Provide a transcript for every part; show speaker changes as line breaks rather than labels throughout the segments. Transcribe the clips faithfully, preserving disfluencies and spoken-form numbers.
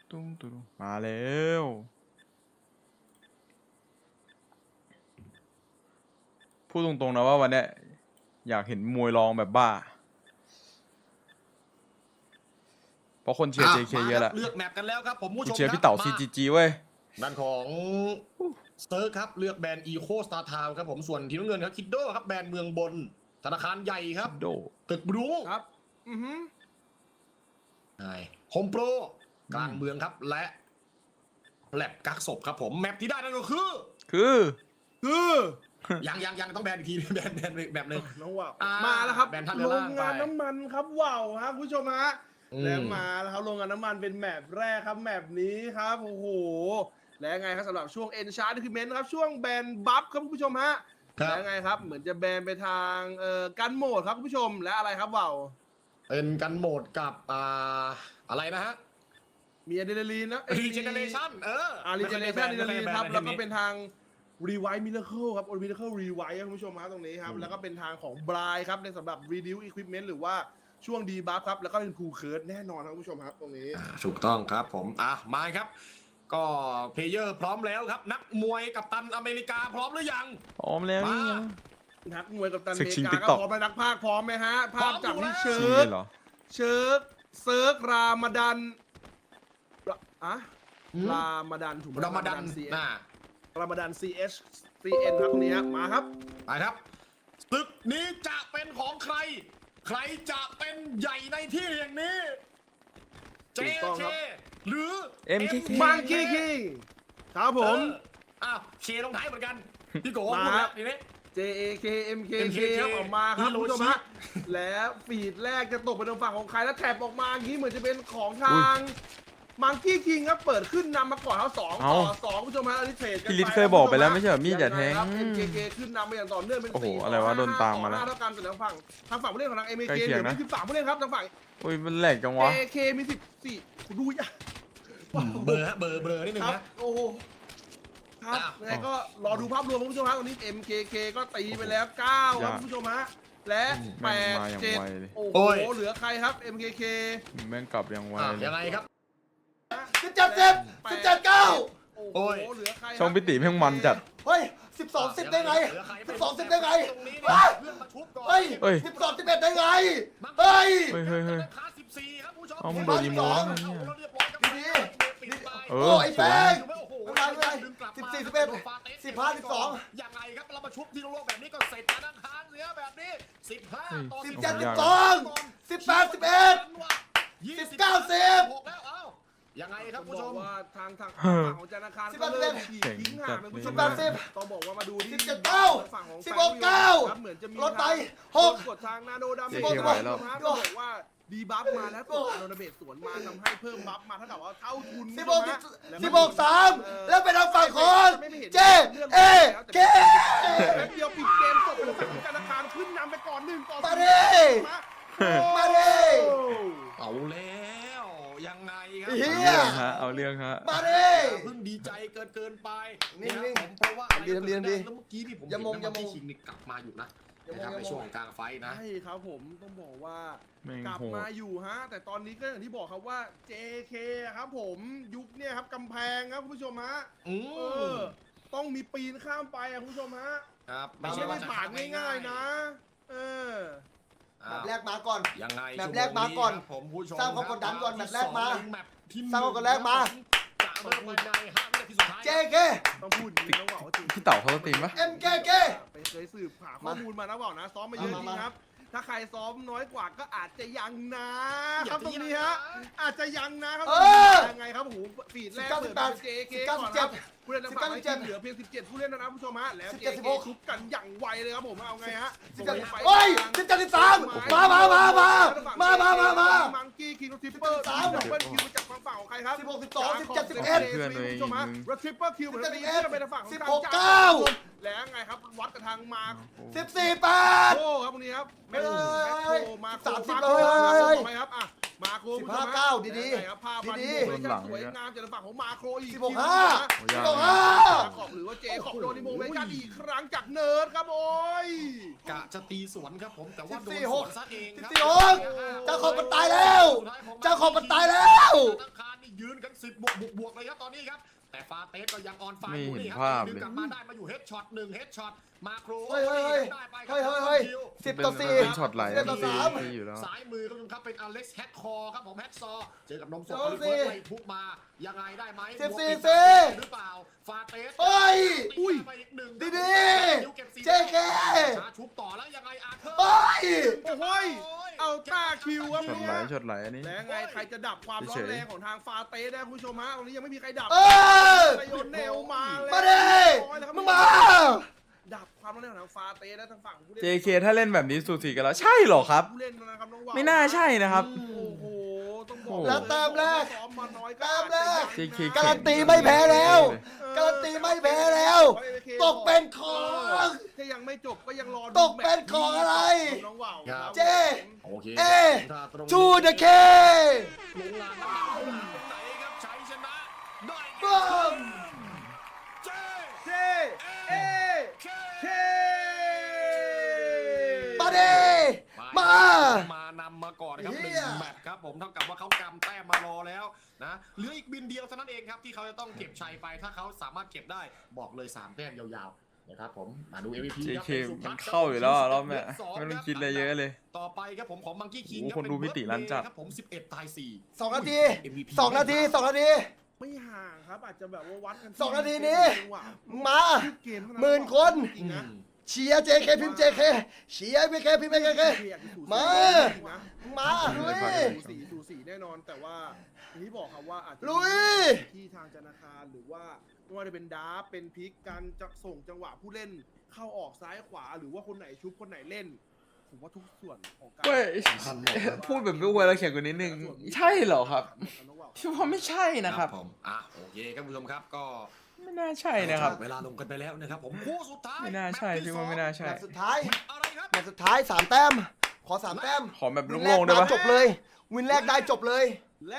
ตุ้งตุ้งมาแล้วพูดตรงๆนะว่าวันเนี้ยอยากเห็นมวยรองแบบบ้าเพราะคนเชียร์ เจ เค เยอะแหละ
เลือกแมปกันแล้วครับผมผู้ชม
เชียร์พี่เต๋า ซี จี จี เว้ย
ด้านของเซิร์ฟครับเลือกแบรนด์อีโคสตาร์ทาวครับผมส่วนทีมน้ำเงินครับคิดโดครับแบรนด์เมืองบนธนาคารใหญ่ครับ
โด
ตึกบรู
ครับอือฮึ
ใช่โฮมโปรกลางเมืองครับและแลบกักศพครับผมแมปที่ได้นั่นก็คือ
คือ
คือ
ยังยังยังต้องแบรนด์อีกทีแบรนด์แบรนด์แบบหนึ่ง
น้องว่าว
อ่า
มาแล้วครับ
แบรนด์ท่าเรื
โร
อล่าง
งงาน
ไป
น้ำมันครับว้าวครับคุณผู้ชมฮะ
อืม
แล้วมาแล้วครับโรงงานน้ำมันเป็นแมปแรกครับแมปนี้ครับโอ้โหและไงครับสำหรับช่วง Enchant Document ครับช่วงแบนบัฟครับคุณผู้ชมฮะ
ครับ
และไงครับเหมือนจะแบนไปทางเอ่อกันโหมดครับคุณผู้ชมและอะไรครับว้าว
เป็นกันโหมดกับอ่าอะไรนะฮะ
มีอะดรีนาลีนนะ
รีเจเนเรชั่นเออ
อารีเจเนเรชั่นอะดรีนาลีนครับ
ไม่
แล้ว
เค
ก็
ย
เป็นทางรีไวท์มิราเคิลครับโอมิราเคิลรีไวท์ครับคุณผู้ชมครับตรงนี้ครับ
อืม
แล้วก็เป็นทางของบรายครับในสำหรับ Reduce Equipment หรือว่าช่วงดีบัฟครับแล้วก็เป็นคูเคิร์ดแน่นอนครับคุณผู้ชมครับตรงนี้
อ่าถูกต้องครับผมอ่ะมาครับ ก็เพลเยอร์พร้อมแล้วครับ นักมวยกับตันอเมริกาพร้อมหรือยัง
พร้อมแล้วนี่ยัง
นักมวยกับตัน
ศึ
เม
กชิง
กา
TikTok
ก็พร้อมไหมนักภาคพร้อมไหมฮะ ภาพจากที่
พร้
เชิ
อม
ชิง
ร์
เล
ก
ยเหรอ
เชิร์กเซิร์กรามาดันอะรามาดันถูกไหม
รามาดัน
ซี
น่ะ
รามาดัน ซี เอช ซี เอ็น ครับตรงนี้ฮะมาครับ
ไปครับศึกนี้จะเป็นของใคร ใครจะเป็นใหญ่ในที่แห่งนี้ เจ
ถูกต้อง
เค
ครับ
หรือ
เอ็ม เค เค
มังคีคิงครับผม
เอออ้าวเชลงท้ายเหมือนกัน พี่โก้
มา
พูดแล้วทีนี้
เจ เอ เค เอ็ม เค
เอ็ม
เค
เค
ครับออกมาครับ
ฮิโร
คุณ
ชิ
ผู้ชมฮะแล้วฟีดแรกจะตกไปทางฝั่งของใครแล้วแถบออกมาอย่างนี้เหมือนจะเป็นของทางมังกี้คิงครับเปิดขึ้นนำมาก่อนเขาสอง
เอ้า
ต่อสองคุณผู้ชมฮะอันนี้เทรดกัน
พี่ลิศ
ไป
เคยบอกไปแล้วไม่ใช่เหรอมีดอย่าแทง
ครับ เอ็ม เค เค ขึ้นนำไปอย่างต่อเนื่องเป็น
โอ้โห
สี่
อะไรวะโดนตามมาแล้ว
เท่ากันส่วนทางฝั่งทางฝั่งผู้เล่นของทาง เอ็ม เค
ใกล้
เห
เคี
ลื
ยง
อ
นะ
มีสิบสามผู้เล่นครับทางฝั่ง
อุ้ยมันแหลกจังวะ
เอ เค มีสิบสี่ดูยาก
เบอร์ฮะเบอร์เบอร์นิดนึง
ครับ
นะ
โอ้โหครับ
อ้าว
ยังไงก็รอดูภาพรวมคุณผู้ชมฮะตอนนี้ เอ็ม เค เค ก็ตีไปแล้วเก้าครับคุณผู้ชมฮะและแป
แม่ง
ด
มาอย่าง
เจ็ด
ไวเลย
โอ้
โอ้
โห
ย
เหลือใครครับ เอ็ม เค เค
แม่งกลับยังไว
อ่ะ
เลย
ยังไงครับ
สิบเจ็ดสิบสิบเจ็ดเก้า
โอ้
โอ้
โห
ย
เหลือใครครับ
ช่องพิติแม่งมันจัด
เฮ้ยสิบสองสิบได้ไง
เหลือใคร
สิบสองสิบได้ไง
ตรงนี้
เฮ้
เนี่ย ยเพื่อนมาชุบก่อน
เฮ้ย
เฮ้ย
สิบสองสิบเอ็ดได้ไง เฮ้ย
เฮ้ยเฮ้ยเฮ้ย
คาสิบสี่ครับผู้ชม
เอามึงโดนอีโมแล้วไงเนี่ย
อาเรียบร้อยครับ
ดี
ปิดไป
เอ
โอ้
อ
ไอ้
ส
แป้
วย
ง
โอ้โห
ไม่เป็นไร
ดึงกลับมา
สิบสี่สิบเอ็ด
โนฟาเตส
สิบห้าสิบสอง
ยังไงครับเรามาชุบที่โลกแบบนี้ก็เสร็จแล้วนะคะเหลือแบบนี้สิบห้าต่อ
สิบ
สิบ
เจ็ด
โอ้
สิ
โห
บสองสิบแปดสิบเอ็ด สิบเก้าสิบ
หกแล้วเอ้ายังไงครับ
ต้
ผู้
อง
ช
บอ
ม
กว่าทางทาง
เฮ้อ
ฝั่งของธนาคาร
สิบ
ก็
แปด
เริ่ม
สิบ
ขีดทิ้งห่างเป็นผู้ชม
สิบแปดสิบ
ต้องบอกว่ามาดูที่
สิบเจ็ดเก้า
ฝั่งของ
สิบหกเก้า
ครับเหมือนจะมี
รถไป
ทาง
หก
กดทางนาโนดำ
เจ๊เขียวไหวแล้ว
ครับต้องบอกว่าดีบัฟมาแล้วกดนาโนดาเบสสวนมาทำให้เพิ่มบัฟมาเท่ากับว่าเท่าทุน
สิบหก
นะแล้ว
สิบหกสามแล้วเป็นทางฝั่งของเจเอเค
แป๊บเดียวปิดเกมจบไปแล้วฝั่งของธนาคารขึ้นนำไปก่อนหนึ่งต่อ
มา
ศูนย์
ดิ มาดิ
เอาแล้วยังไงครั
เหี้
เอาเรื่องฮะ เอาเรื่องฮะ
มาดิ
เพิ่งดีใจเกินเกินไป
นิ่งๆ
เยผมเพราะว่าอะไร
ทำดีทำดี
แล้วเมื่อกี้นี่ผม
อย่ามง
เห็นนะ
อย่ามง
ที่ชิงนี่กลับมาอยู่นะ
อย่ามง
นะครับ
อย่ามง
ในช่วงของกลางไฟท์นะ
ใช่ครับผมต้องบอกว่า
แม่ง
กลับ
โหด
มาอยู่ฮะ แต่ตอนนี้ก็อย่างที่บอกครับว่า เจ เค ครับผมยุคเนี่ยครับกำแพงครับคุณผู้ชมฮะ
อื
เอ
ม
อต้องมีปีนข้ามไปอะคุณผู้ชมฮะ
ครับ
ไม่ใช่ว่าผ่านง่ายๆนะ เออ
อ้า
แบ
ว
บแรกมาก่อน
ยังไง
แบบแรกมาก่อน
ชั่วโงผมผู้ชม
สร้างความกดดันก่อน
ครับ
แบบแรกมา
ที่สองแบบที่
สร้างความกดดันแรกมา
จะเริ่มไปในห้าวินาทีสุดท้าย
เจเค
ต้องพูดอย่างนี้ต้องบอกว่าจริง
พี่เต๋าเขาสตรีมปะ
เอ็มเคเค
ไปเคยสืบหาข้อมูลมานะบอกนะ ซ้อมมาเยอะจ
มา
ริ
มา
งครับ ถ้าใครซ้อมน้อยกว่าก็อาจจะยังนะ
อย่า
ครับตรงนี้ฮะ อาจจะยังนะครับ
เออ
ยังไงครับโอ้โหฟีดแรก
สิบเก้า
เปิด
สิบแปด
เจเค
สิบเก้า
ก่อน
สิบเจ็
ค
ด
รับผู้เล่นทางฝั่งไอ
สิบเก้าสิบเจ็ด
ทีมเหลือเพียงสิบเจ็ดผู้เล่นนะครับผู้ชมฮะแล้ว
สิบ
เจ
เจ็ดสิบ
เค
หก
ทุบกันอย่างไวเลยครับผมเอาไงฮะ
สิบเจ็ด
ส่งไป
โอ้ยสิบเจ็ดสิบสามมามามามามามามามา
มังกี้คิงทริปเปอร์
สิบเจ็ดสิบสาม
ดับเบิลคิวจากฝั่งฝั่งของใครครับ
สิบหกสิบสองสิบเจ็ดสิบเอ็ด
เพื่อนเลย
ผู้ชมฮะรถทริปเปอร์คิวเหมือนกันตีขึ้นไปทางฝั่งของ
สิบ
ทาง
หก
จ้
เก้า
แล้วไงครับวัดกับทางมา
สิบสี่แปด
โอ้ครับตรงนี้ครับแม่โอ้
เอ้ย
แม่โอ้มา
สามสิบ
โค
เลย
ต่อไปครับอ่ะมาโคร
สิบห้าเก้าดีๆ
ครับภาพมา
ดี
ดี
ๆ
โมเมชั่นสวยงามจากฝั่งของมาโครอีก
สิบหกห้า
โอ้ย
สิบหกห้า
ขอบหรือว่าเจขอบโดนดิโมเมชั่นอีกครั้งจากเนิร์ดครับโอ้ย
กะจะตีสวนครับผมแต่ว่าโดน
สิบสี่
ส
ห
ว
ก
นซะเองครับ
สิบสี่หกเจ้าของมันตายแล้ว เจ้าของมันตายแล้ว
ธนาคารนี่ยืนกันสิบบวกบวกบวกเลยครับตอนนี้ครับแต่ฟาเตสก็ยังออนไฟ
ไม่
อยู่
เห็น
นี่ครั
ภาพ
ดึง
เลย
กลับมาได้มาอยู่เฮดช็อตหนึ่งเฮดช็อตมาโคร
เฮ้ยเฮ้ยเฮ้ย
ได้ไปค
เฮ้ย
รับ
เฮ้ยเฮ้ย
คิว
สิบ
เป็น
ต่อสี่
เป็นช็อตไหล
สิบต่อสาม
ตีอยู่แล้ว
ซ้ายมือครับครับเป็นอเล็กซ์แฮกคอร์ครับผมแฮกซอร์เจอกับนมสด
โอ้
โอลิ
สิ
เวอร์ไล่ทุบมายังไงได้ไหม
สิบสี่
บวก
สิ
อีกหรือเปล่าฟาเตส
เฮ้ย
อุ้ยไปอีกหนึ่ง
ดี
คิวก็บสี่
ๆเจเค
ชาชุบต่อแล้วยังไงอาร์เธอร์
เฮ้ย
โอ้โหยเอาตาคิวครับ
ช็อตไหลช็อตไหลอันนี้
และไงใครจะดับความร้อนแรงของทางฟาเต้ได้คุณผู้ชมฮะตรงนี้ยังไม่มีใครดับ
เออ
ไซโยนเนลมาแล้ว
มาดิมึงมา
ดับความร้อนแรงของทางฟาเต้และทางฝั่งผู้เล่น
เจ เค ถ้าเล่นแบบนี้สูสีกันแล้วใช่เหรอครับ
ผู้เล่นนะครับน้องว่าว
ไม่น่าใช่นะครับ
โอ้โหต้องบอก
แล้วแต้มแรก
ซ้อมมาน้อยก็
แต้มแรก
เจ เค
การันตีไม่แพ้แล้ว การันตีไม่แพ้แล้ว ตกเป็นของ
ถ้ายังไม่จบก็ยังรอดู
ตกเป็นของอะไร
น้องว่าวครับ
เจ
โอเค
เอ
ถ้าตรงนี้
ทูเดอะเค
ลงลานน้ำหนักไหนครับชัยชนะได้
บึ้ม
เจ
เจเอ
เค
เค
มาดิมา
มานำมาก่อนครับห
เหี้
นึ่ง
ย
แมตช์ครับผมเท่ากับว่าเขากำแต้มมารอแล้วนะเหลืออีกบินเดียวเท่านั้นเองครับที่เขาจะต้องเก็บชัยไปถ้าเขาสามารถเก็บได้บอกเลยสามแต้มยาวๆนะครับผมมาดู เอ็ม วี พี
เจ
ครับ
เค
เป็นสุ
มั
พั
น
ฒน์
เข้าอยู่แล้วอะรอบเนี้ย
สง
ไม่ต้อง
รับ
คิดอะไรเยอะเลย
ต่อไปครับผมของมังกี้คิง
โอ้
รับ
คนดูพิติลั่นจัด
ครับผมสิบเอ็ดตายสี่
สองนาที
เอ็ม วี พี
สองนาทีสองนาที
ไม่ห่างครับอาจจะแบบว่าวัดกันที่
สองนาทีนี้
จังหวะ
มา
เกมเท่า
หมื่นคน
จริงๆนะ
เชียร์เจเคพิมพ์เจเคเชียร์พีเคพิมพ์เจเค มา มา
ลุ
ลุ
ย
ย
สูสีสูสีแน่นอนแต่ว่าอย่างที่บอกครับว่าอาจจะ
ลุย
ที่ทางธนาคารหรือว่าไม่ว่าจะเป็นดาร์ฟเป็นพลิกการจะส่งจังหวะผู้เล่นเข้าออกซ้ายขวาหรือว่าคนไหนชุบคนไหนเล่นผมว่าทุกส่วนของการ
เว้ย พูดแบบไม่อวยแล้วเขียนกว่านิดนึงใช่เหรอครับพี่ว่าไม่ใช่นะครับ
ผมอ่ะโอเคครับคุณผู้ชมครับก็
ไม่น่าใช่นะครับ
เวลาลงกันไปแล้วนะครับผมคู่สุดท้าย
ไม่น่าใช่
แมตช์ที่
พี่ว่าไม่น่า
สอง
ใช่
แมตช์สุดท้าย
อะไรครับ
แมตช์สุดท้ายสามแต้ม ขอสามแต้ม
ขอแบบ
วินแร
โล่
ก
งๆได้
ได้
ปะ
จบเลย วินแรกได้จบเลย
และ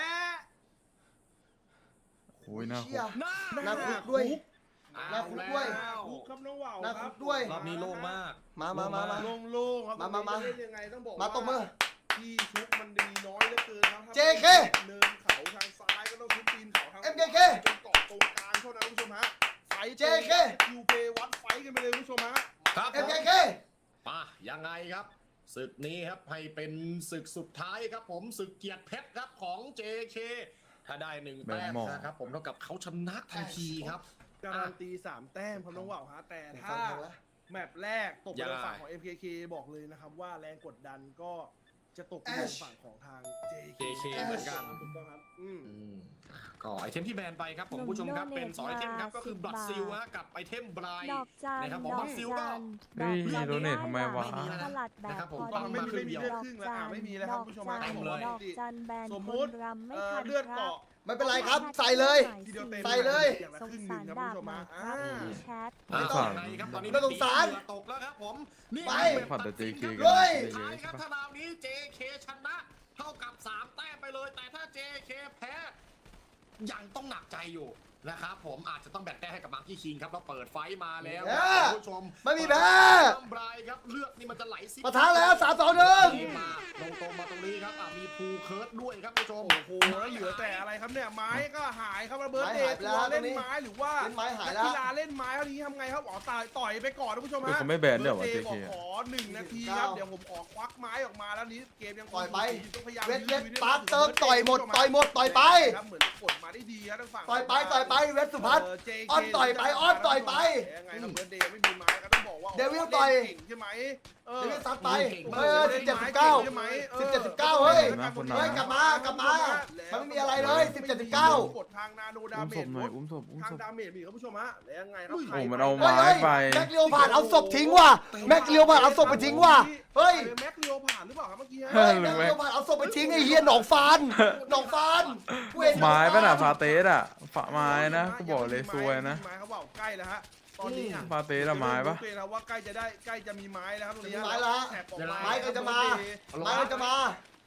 โอ้ยน่า
เชี่ย
หน้า
หน้าคุกด้วย
เอา
หน้าคุกด้วย
แล้ว
คุกครับน้องว่าว
หน้า
ค
คุ
รับ
กด้วย
รอบนี้โล่งมาก
มามามามา
โล่งๆครับ
มามามา
เล่นยังไงต้องบอก
มาตบมือ
ที่ชุบมันมีน้อยเหลือเกินครับ
เจเค
เนินเขาทางซ้ายก็ต้องชุบตีนเขาทาง
เอ็มเคเค
จนเกาะตรงกลางเท่านั้นคุณผู้ชมฮะไฟ
เจเค
คิวเพวัดไฟกันไปเลยคุณผู้ชมฮะ
ครับ
เอ็มเคเค
มายังไงครับศึกนี้ครับให้เป็นศึกสุดท้ายครับผมศึกเกียรติเพชรครับของ เจ เค ถ้าได้หนึ่งแต้ม
แบนหมอ
นะครับผมเท่ากับเขาชนะทันทีครับ
การันตีสามแต้มครับน้องว่าวฮะแต่ถ้าแมปแรกตกไปทางฝั่งของ เอ็ม เค เค บอกเลยนะครับว่าแรงกดดันก็จะตกไปทางฝั่งของทาง เจ เค
เจ เค เหมือนกัน
ถูกต้องครับอืม
อืมก็ไอเทมที่แบนไปครับผมผู้ชมครับเป็นสองไอเทมครับก็คือบลัดซิลฮะกับไอเทมบราย
ดอกจัน
นะครับผม
ด
บั
อก
ตรซิล
จั
ก็
น
เฮ้ย
ดอกจัน
โดเนททำไมวะ
ด้สลัดแบบ
นะครับผม
พอ
ไม่
ดี
มีไม่มีเลือดครึ่งแล้วอ่ะไม่มีแล้วครับ
ดอก
ผู้ชม
จั
ฮะ
น
ผมบอก
ดอกจันแบน
สม
ค
มุติ
นรำไม่
เอ่อ
ทัน
เลือด
ครับ
เกาะ
ไม่เป็นไรครับ ใส่เลย
ทีเดียวเต็ม
ใส่เลย
อย่างละ
ส
ค
ง
รึ่งห
สา
นึ่ง
ร
ครับ
ดา
คุณ
บ
ผู้ชม
หน่อ
ฮะ
ยครับ
อ่า
แชท
อ่า
ไม่ฝัน
ยังไงครับตอนนี้
ไม่ต้องสาร
เหงื่อตกแล้วครับผมนี่
ไป
เป็น
ฝันแต่ JK
ตัดสิน
กัน
เลย
สุดท้ายครับถ้าดาวนี้ เจ เค ชนะเท่ากับสามแต้มไปเลย แต่ถ้า เจ เค แพ้ยังต้องหนักใจอยู่นะครับผมอาจจะต้องแบ่งแต้มให้กับมังคีคิงครับเราเปิดไฟต์มาแล้ว
เย้
ครับคุณผู้ชม
ไม่มีแพ้
น้ำบรายครับเลือดนี่มันจะไหลซิ
ปะทะแล้วสามสองหนึ่ง
มาลงตรงมาตรงนี้ครับอ่ะมีภูเคิร์ดด้วยครับคุณผู้ชม
โอ้โหแล้วเหลือแต่อะไรครับเนี่ยไม้ก็หายครับระเบิด
ไม้
เด
หาย
ท
ไปแล้ว
เล่น
ตรงนี้
ไม้หรือว่า
เล่นไม้หายแล้ว
นักกีฬาเล่นไม้เท่านี้ทำไงครับอ๋อตายต่อยไปก่อนนะผู้ชม
เออ
ฮะ
เขาไม่แบนด้วยวะ
บิร์ด
เจ เค
ดย์บอกขอหนึ่งนาทีครับเดี๋ยวผมขอควักไม้ออกมาแล้วนี้เกมยัง
ปล่อยไป
ต้องพยายาม
เวทเวท
ยื้อ
ปาร์คเติม
ยื้
ต่อยหมดต่อยหมดต่อยไป
ครับเหมือนกดมาได้ดีครับทางฝั่ง
ต่อยไปต่อยไปเวทสุพัฒน์
เ เจ เค
อ้อนต่อยไปอ้อนต่อยไป
ยังไงครับเบิร์ดเดย์ไม่มีไม้ก็ต้องบอกว่า
เดวิลต่อย
เก่งใช่ไหมเออ
เดวิลซัดไป
เก่งมาก
เฮ้ยสิบเจ็ดสิบเก้า
ใช่ไหมออ
สิบเจ็ดสิบเก้าเฮ้ย
นะคนหนา
เฮ้ยกลับมากลับมามันไม่มีอะไรเลยสิบเจ็ดสิบเก้าก
ดทางนาโนดา
อุ้ม
เม
ศ
จ
พหน่อยอุ้มศพอุ้ม
ทาง
ศพ
ดาเมจมีครับผู้ชมฮะแล้วยังไงครับ
โอ้มันเอา
เฮ้ย
ไม้
เฮ้ย
ไป
แม็กเลียวผ่านเอาศพทิ้งว่ะแม็กเลียวผ่านเอาศพไปทิ้งว่ะเฮ้ย
แม็กเลียวผ่านหรือเปล่าครับเมื่อกี้ฮะ
เฮ้
เฮ้ยแม็กเลียวผ่านเอาศพไปทิ้งไอ้เฮียหนองฟานหนองฟานกูเห็นหนอง
ไม้
ฟ
ป่ะน่ะฟาเตสอ่ะฝาไม้นะกูบอกเลยซวยนะ
ไม้เขาบอกใกล้แล้วฮะตอนนี้อ่ะ
ฟาเตสอะไม้ปะ
เริ่มรู้ตัวแล้วว่าใกล้จะได้ใกล้จะมีไม้แล้วครับตรงนี้
มีไม้แล้วฮะ
แท็กออก
ไม้ก็จะมาไม้ก็จะมา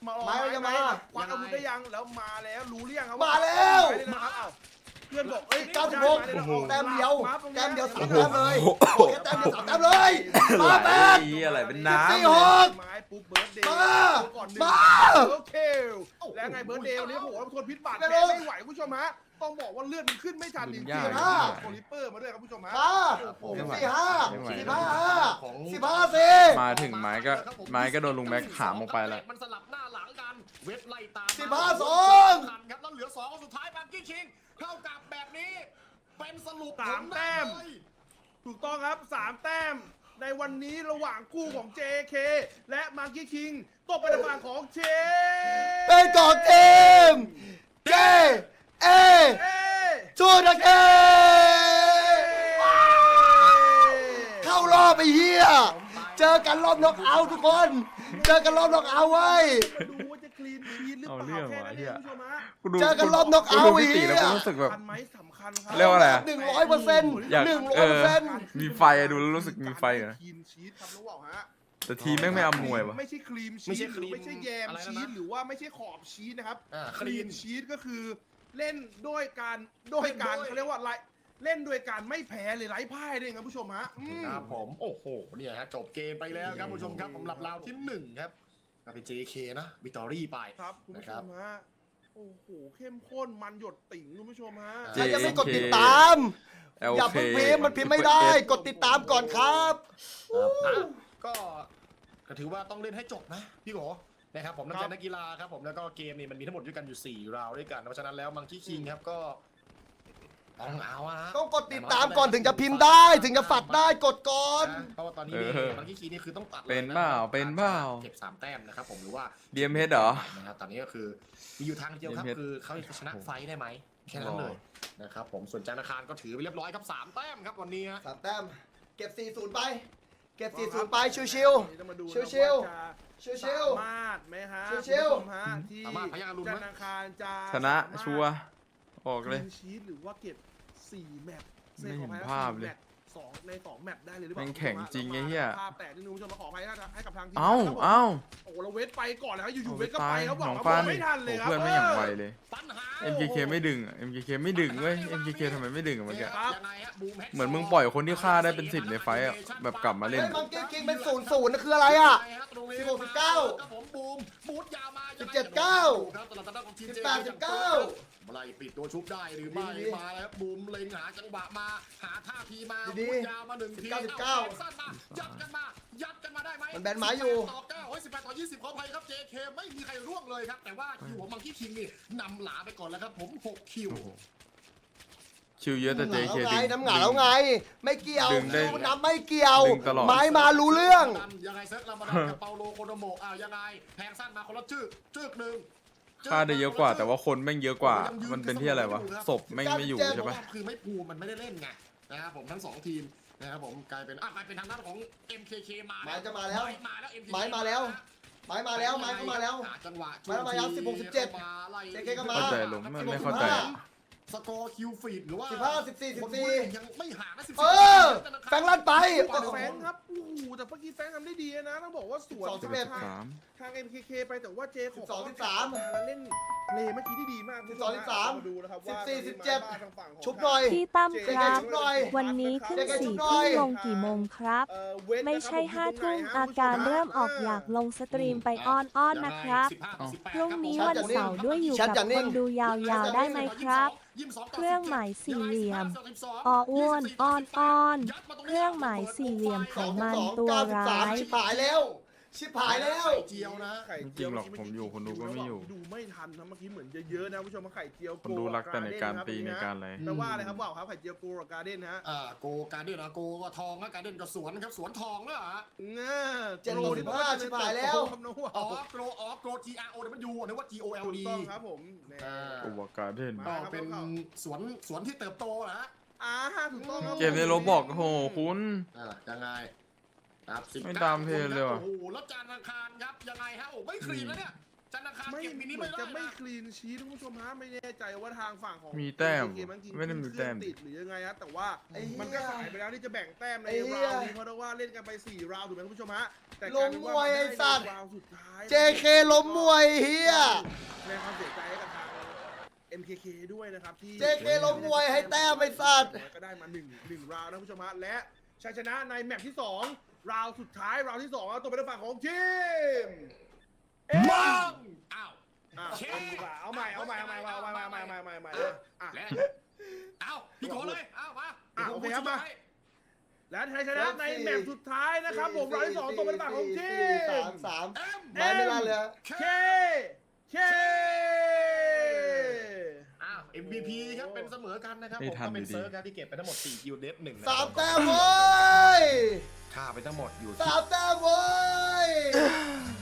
มา
ไม้จะมา
ควักอาวุธได้ยังแล้วมาแล้วรู้หรือยังครับ
มาแล้ว
ไม้เลยนะครับอ้าวเพื่อนบอกเอ้ย
เก้าสิบหก
ได้ไม้เลยนะ
แต้มเดียว
าตรงนี้
แต้มเดียวสาม
โอ้โห
แต้มเลยโอเคแต้มเดียวสามแต้มเลยมาแปด
ไหลอะไรเป็นน้ำ
สี่
เลย
หก
ไม้ปุ๊บเบิร์ดเดย์
มา
ก่อนหนึ่ง
มา
โอเคแล้วไงเบิร์ดเดย์วันนี้โอ้โหทนพิษบาด
ไม่
แผล
รู้
ไม่ไหวคุณผู้ชมฮะต้องบอกว่าเลือดมันขึ้นไม่ทันจริง
ยาก
ๆ
มาก
โคลิปเปอร์มาด้วยครับคุณผู้ชมฮะ
มา
โอ้โห
สี่ห้า
ไม่ไหว
สิบห้าห้าสิบห้าสี่
มาถึงไม้ก็ไม้ก็โดนลุงแม็กหามออกไปแล้ว
มันสลับหน้าหลังกันเว็บไล่ตาม
สิบห้าสอง
ครับแล้วเหลือสองสุดท้ายบางกี้คิงเท่ากับแบบนี้เป็นสรุป
สามแต้ม
ผลได้เลย
ถูกต้องครับสามแต้มในวันนี้ระหว่างคู่ของ เจ เค และมาร์กี้คิงตกไปในฝั่งของเจ
เป็นกองทีมเจเอ
เอ
ทูดเกเข้ารอบไปเฮียเจอกันรอบน็อกเอาท์ทุกคน เจอกันรอบน็อกเอาท์ไว้ย
มาดูว่าจะคลีนชีทหรือเป
เอา
ล่า
เรื่อง
แค่
ว่ะ
นั้น
เหี้
เอย งคุณผู้ชมฮะ
กูดู
เจอกันรอบน็อกเอาท์
กูดูพี่ตีแล้ว
อีก
กูรู้สึกแบบ
สำคัญไหมสำคัญครั
เรียกว่าอะไรอะ
หนึ่งร้อยเปอร์เซ็นต์
อยาก
หนึ่ง
เอ
ร้อยเปอ
อ
ร์เซ็นต์
มีไฟอะดูแล้วรู้สึกมีไฟเหรอ
คลีนชีทครับรู้เปล่าฮะ
แต่ทีมแม่งไม่อำนวยวะ
ไม่ใช่ครีมชี
ไม่ใช่
ส
ครีม
ไม่ใช่แยม
อะไรนะ
ชีสหรือว่าไม่ใช่ขอบชีสนะครับ
อ่า
คลีนชีสก็คือเล่นด้วยการด้วยการ
เล่นด้วย
เขาเรียกว่าไรเล่นด้วยการไม่แพ้เลยไร้พ่ายด้วยครับผู้ชมฮะอืม
ครับผมโอ้โหเนี่ยฮะจบเกมไปแล้วครับผู้ชมครับสำหรับราวที่หนึ่งครับก็เป็น เจ เค นะวิตอรี่ไป
ครับคุณผู้ชมฮะโอ้โหเข้มข้นมันหยดติ่งคุณผู้ชมฮะ
เจ
ใครยังไม่กดติดตาม อย่าเพิ่งพิมพ์มันพิมพ์ไม่ได้ กดติดตามก่อนครับ
อ่ะก็ก็ถือว่าต้องเล่นให้จบนะพี่โกนะครับผมนัก
ครับ
เรียนนักกีฬาครับผมแล้วก็เกมนี้มันมีทั้งหมดด้วยกันอยู่สี่ราวด้วยกันเพราะฉะนั้นแล้วมังคีคิงครับก็ต้องเอาอะฮะ
ต้องกดติดตามก่อนถึงจะพิมพ์ได้ถึงจะฝักได้กดก่อน
นะเพราะว่าตอนนี้นี่
เออ
มังคีคิงนี่คือต้องตัดลยะ
เป็นเปล่าเป็นเปล่า
เก็บสามแต้มนะครับผมหรือว่า
ดีเอ็มเอสเหรอ
นะครับตอนนี้ก็คือมีอยู่ทางเดียวครับ
เอ็มเอส
คือเขาจะชนะไฟท์ได้ไหมแค่นั้นเลยนะครับผมส่วนจานอาคารก็ถือไปเรียบร้อยครับสามแต้มครับวันนี้ฮะ
สามแต้ม เก็บสี่ศูนย์ไป เก็บสี่ศูนย์ไป ชิว
ต้องมาดู
ชิวๆ
นะา
ๆ
จะ
ชิว
สามารถไหมฮะ
ชิวๆ
คุณผู้ชมฮะที่
สามารถพยัคฆ์อรุณไหม
ธนาคารจะ
ชนะ
สามารถ
ชัวร์ออกเลย
คลีนชีทหรือว่าเก็บสี่แมตช์
ไม่เห็น
ขออภัย
ภาพเลย
สี่แมตช์สองในสองแมตช์ได้เลยหรือเปล่า
แม่งแข่งจริงไอ้เหี้ย
ภาพแตกนิดนึงคุณผู้ชมมาขออภัยให้กับทางทีม
เอ้า
ครับผม
เอ้า
โอ้โหเราเวทไปก่อนแล้วอยู่
โอ้
ๆ
โห
เวทก็
ตา
ไป
ย
ครับบ
น้
อ
อก ง
ว่า
ฟ้า
ไม่ทันเลยครับ
เพื่อนไม่อย่างไวเลย
ปัญหา
เอ็ม เค เค ไม่ดึงอะ เอ็ม เค เค ไม่ดึงเว้ย เอ็ม เค เค ทำไมไม่ดึงอะเมื่อกี้
ครับ
ยังไงฮะบูมแฮก
เหมือนมึงปล่อยคนที่ฆ่าได้เป็นสิบในไฟต์อะแบบกลับมา
ๆ
เล่
เล่
น
นมังกี้คิงเป็นศูนย์ศูนย์นะคืออะไรอ่ะ สิบหกสิบเก้า
ครับผมบูมบูทยาวมา
สิบเจ็ดเก้า
ครับสำหรับทางด้านของทีม
สิบแปดสิบเก้า
ไล่ปิดตัวชุบได้หรือไม่
ดี
มาแล้วบูมเล็งหาจังหวะมาหาท่าทีมา
ดี
บูทยาวมาหนึ่งที
สิบเก้า
อสั้นมายัดกันมายัดกันมาได้ไหม
มันแบนไม้อยู่
สิบแปดต่อเก้าโอ้ยสิบแปดต่อยี่สิบขออภัยครับ เจ เค ไม่มีใครร่วงเลยครับแต่ว่าคิวของมังคีคิงนี่นำหลาไปก่อนแล้วครับผมหกคิว
ชิวเยอะแต่ เจ เค
แล้วไง
ดึง
น้ำหงาแล้วไง ไม่เกี่ยว
ดึงได้
น้ำไม่เกี่ยว
ดึงตลอด
ไม้มารู้เรื่อง
ยังไงเซตลามาดากับเปาโลโคโดโมะอ่ายังไงแทงสั้นมาคนละจึกจึกหนึ่ง
ฆ่าได้เยอะกว่า แต่ว่าคนแม่งเยอะกว่า มันเป็นที่อะไรวะ ศพแม่งไม่อยู่ใช่ปะ
คือไม่ภูมิมันไม่ได้เล่นไงนะครับผมทั้งสองทีมนะครับผมกลายเป็นอ่ะกลายเป็นทางด้านของ เอ็ม เค เค มา
ไม้จะมาแล้ว
ไม้มาแล้ว เอ็ม เค
ไม้มาแล้ว ไม้มาแล้ว ไม้เข้ามาแล้ว
หจังหวะ
ไม้มาแล้วสิบหกสิบเจ็ด
มาไล่
เจ เค ก็มา
เข้าใจลงไม่ไม่เข้าใจอะ
สกอร์คิวฟีดหรือว่า
สิบห้าสิบสี่สิบสี่
ยังไม่ห่างนะสิบ
เออแฟงลั่นไป
แต่แฟงครับโอ้โหแต่เมื่อกี้แฟงทำได้ดีนะต้องบอกว่าสวน
สิบสองสิบเอ็ด
ทาง
สาม
ทาง เอ็ม เค เค ไปแต่ว่าเจข
สิ
อบ
สองสิบสาม
แล้วเล่นเพลย์เมื่อกี้ที่ดีมาก
สิบสองสิบสาม
ดูนะครับว่า
สิบสี่สิบ
ทาง
เจ็ด
ทางฝั่งของ
ชุบหน่อย
พี่ตั้ม
เจ
ค
เค
รับ
ชุบหน่อย
วันนี้ขึ้น
เจ๊เจ๊
สี่
ชุบหน่
ทุ่
อ
ม
ย
ลงกี่โมงครับ
เอ่อเวท
ไม่
นะครับ
ใช่
ผม
ห้า
อยู่
ทุ่ม
ตรงไหนฮะ
อาการ
คุณผู้ช
เริ่มออก
ฮะ
อยากลงสตรีมไปอ้อนอ้อนๆนะครับ พรุ่งนี้วันเสาร์ด้วยอยู่กับคนดูยาวๆได้ไหมครับ เครื่องหมายสี่เหลี่ยมออ้วนอ้อนอ้อนเครื่องหมายสี่เหลี่ยมไขมันตัวร้าย
ชิบหายแล้ว ชิบหายแล้ว
เจียวนะ
ไข่
จ
เจี
ริ
ยว
งหรอก
เ
ผมอยู่คนดูก็ไม่อยู่
ดูไม่ทันนะเมื่อกี้เหมือนจะเยอะนะคุณผู้ชมว่าไข่เจียว
คนดูรักแต่ในการตีในการอะไร
แปลว่าอะไรครับว่าวครับไข่เจียวโกกับการ์เด้นฮะ
อ่าโกการเด่นอะโกก็ทองนะการเด่นก็สวนนะครับสวนทองนะฮะ
เงี้ย
เจ็ดโลสิบห้าชิบหายแล้ว
ครับน้องว่า
อ๋อโกรอ๋อโกร G R O W นึกว่า G O L
ถูก
D
ต้องครับผมเนี่ย
อ่า
อุบการเด่น
ก็เป็นสวนสวนที่เติบโตนะฮะ
อ่าถูกต้องครับ
เกมในโรบอกโหคุณ
อ่ายังไงครับสิบ
ไม่ตามเพลย์เลยว่ะ
โอ้โหแล้วจานอังคารครับยังไงฮะโอ้ไม่คลีนแล้วเนี่ยจันทร์อังคาร
ไม่
เก็บมินิ
เหมื
ไม่
อน
ได้
จะไม่
นะ
คลีนชีททุกผู้ชมฮะไม่แน่ใจว่าทางฝั่งของ
มีแต้ม
เกมันกิน
ไม่ได้มีแต้ม
ติดหรือยังไงฮะแต่ว่า
ไอ้เหี้ย
มันก็สายไปแล้วที่จะแบ่งแต้มใน
ไอ้เหี้ย
ราวนี้เพราะว่าเล่นกันไปสี่ราวถูกไหมคุณผู้ชมฮะแต่
ล้มมวยไอ้สัตว์
ราวสุดท้าย
เจ เค ล้มมวยเฮีย
แสดงความเสียใจให้กับทาง เอ็ม เค เค ด้วยนะครับที่
เจ เค ล้มมวยให้แต้มไอ้สัตว์
ก็ได้มาหนึ่งหนึ่งราวนะคุณผู้ชมฮะและชัยชนะในแมตช์ที่สองราวสุดท้ายราวที่สองเอาตัวเป็นฝั่งของทีมเอ็ม
มองอ้าว
อ่ะ
เชฟ
เอาดีกว่าเอาใหม่เอาใหม่เอาใหม่เอาใหม่เอาใหม่เอาใหม่เอาใหม่เอาใหม่เอาใหม่อ่ะ
และเอ้าพี่โกเลยเอ้ามา
อ่ะโอเคครับมา
ให้
และชัยชนะในแมตช์สุดท้ายนะครับผมราวที่สองตัวเป็นฝั่งของที
สาม มสาม
เอ็ม
ไม้ไม่ลั่นเลยฮะ
เคเค
อ้าว เอ็ม วี พี ครับเป็นเสมอกันนะครับ
ไม่
ผม
ทัน
ก็เป็น
อยู่ดี
เซิร์ฟครับที่เก็บไปทั้งหมดสี่คิวเดฟหนึ่งนะ
สามแต้มเว้ย
ค่าไปทั้งหมดอยู่
สามแต้มเว้ย